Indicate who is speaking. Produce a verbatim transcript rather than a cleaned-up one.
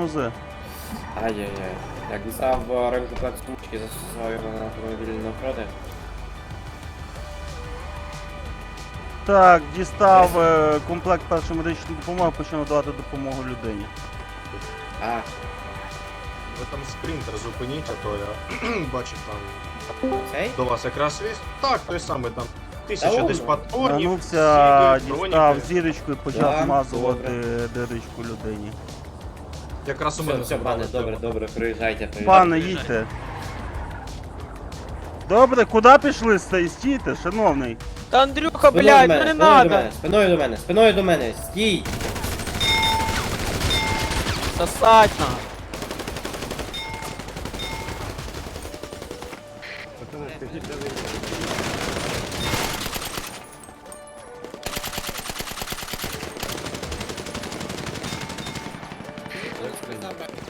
Speaker 1: тормози.
Speaker 2: Ай-яй-яй. Jak dostałem w ręku placówki, zastosowałem ją na автомобільну ochronę.
Speaker 1: Так, дістав е, комплект першої медичної допомоги, почав надавати допомогу людині.
Speaker 2: А,
Speaker 3: Ви там спринтер зупиніть, а то я бачив там
Speaker 2: цей?
Speaker 3: до вас якраз віз. Так, той самий там. Тисяча
Speaker 2: Та
Speaker 3: десь
Speaker 2: он.
Speaker 3: патронів.
Speaker 1: Вернувся,
Speaker 3: сіли,
Speaker 1: дістав
Speaker 3: броніки.
Speaker 1: зірочку і почав
Speaker 2: Так,
Speaker 1: змазувати дирочку людині.
Speaker 3: Якраз у
Speaker 2: Все,
Speaker 3: мене
Speaker 2: все, пане,
Speaker 3: забрали.
Speaker 2: добре, добре, приїжджайте, приїжджайте.
Speaker 1: Пане, їдьте. Добре, куди пішли? Стой, стійте, шановний.
Speaker 4: Та Андрюха,
Speaker 2: Спиною
Speaker 4: блядь,
Speaker 2: до
Speaker 4: ну
Speaker 2: мене,
Speaker 4: не
Speaker 2: спиною до
Speaker 4: надо.
Speaker 2: мене, спиною до мене, спиною до мене, стій!
Speaker 4: Сосать на.